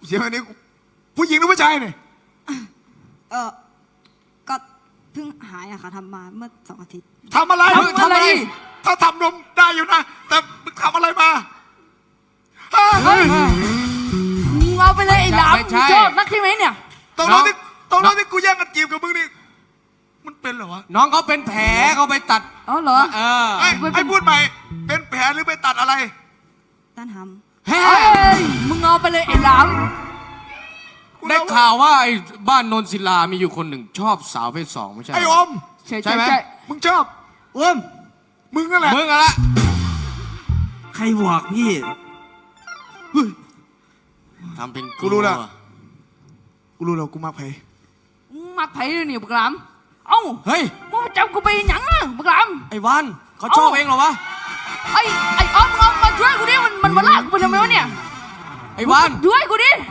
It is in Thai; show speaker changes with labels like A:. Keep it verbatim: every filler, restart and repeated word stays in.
A: เสียงอันนี้ผู้หญิงหรือผู้ชายเนี่ย
B: เออก็เพิ่งหายอะค่ะทำมาเมื่อสองอาทิตย์
A: ทำอะไร
C: ทำอะไร
A: ถ้าทำนมได้อยู่นะแต่มึงทำอะไรมา
C: เฮ้ยมึงเอาไปเลยไอ้หลามชอบนักใช่ไหมเนี่ย
A: ตรงนั้นที่ตรงนั้นที่กูแย่งกันจีบกับมึงนี่มันเป็นเหรอวะ
D: น้องเขาเป็นแผลเขาไปตัด
C: อ๋อเหรอ
D: เออ
A: ไอ้ไอ้พูดใหม่เป็นแผลหรือไปตัดอะไร
B: ต้านห
C: ำเฮ้ยมึงเอาไปเลยไอ้หลาม
D: ได้ข่าวว่าไอ้บ้านนนศิลามีอยู่คนหนึ่งชอบสาวเพศสองไม่ใช่
A: ไอ้อม
C: ใช่ใช่ไหม
A: มึงชอบอมมึงนั่นแหละ
D: มึงอะไร
E: ใครบอกพี่
D: ทำเป็น
A: กูรู้แล้วกูรู้แล้วกูมาไผ่
C: มาไผ่เลยนี่บักหลามเอ้า
D: เฮ้ย
C: มึงมาจับกูไปหยังอ่ะบักหลาม
D: ไอ้วันเขาชอบเองเหรอวะ
C: ไอ้ไอ้ออมมึงเอามาช่วยกูดิมันมันมาลากกูไปทำไมวะเนี่ย
D: ไอ้วัน
C: ช่วยกูดิ